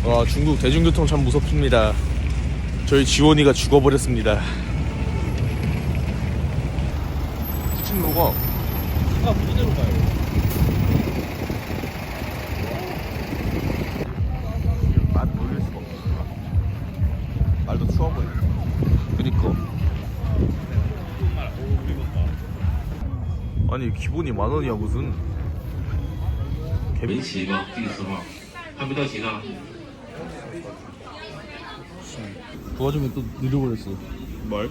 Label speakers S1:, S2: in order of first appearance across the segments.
S1: 와, 중국 대중교통 참 무섭습니다. 저희 지원이가 죽어버렸습니다. 후진로가 이대로 가요. 맛 놀릴 수가 없어. 말도 추워 보여. 그니까. 아니 기본이 10,000원이야 무슨.
S2: 围棋吗？第10吗？还没到齐呢。
S1: 도와주면 또 느려버렸어. 뭘?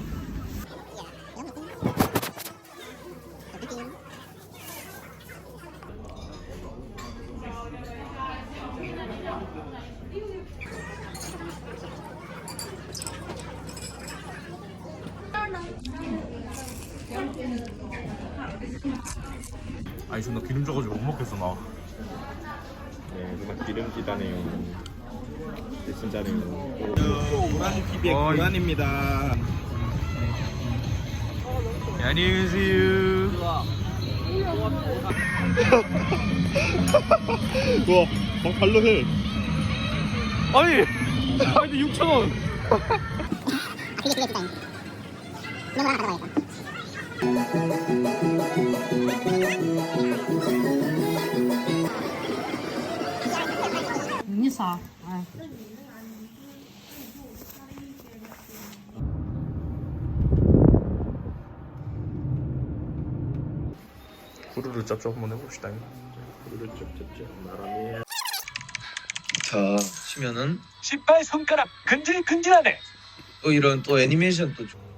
S1: 아니 존나 기름져가지고 못 먹겠어 나.
S3: 네, 정말 기름지다네요. 진짜네요.
S1: 고라니 TV의 고란입니다. 안녕히 계세요.
S3: 우와, 발로 해.
S1: 아니 6,000원.
S4: 그게 디자인. 이런 거 하나 가져가야겠다.
S5: 你啥？哎。
S1: 구르르 짭짭 한번 해봅시다.
S6: 자 치면은
S7: 신발 손가락 근질근질하네.
S6: 또 이런 또 애니메이션 또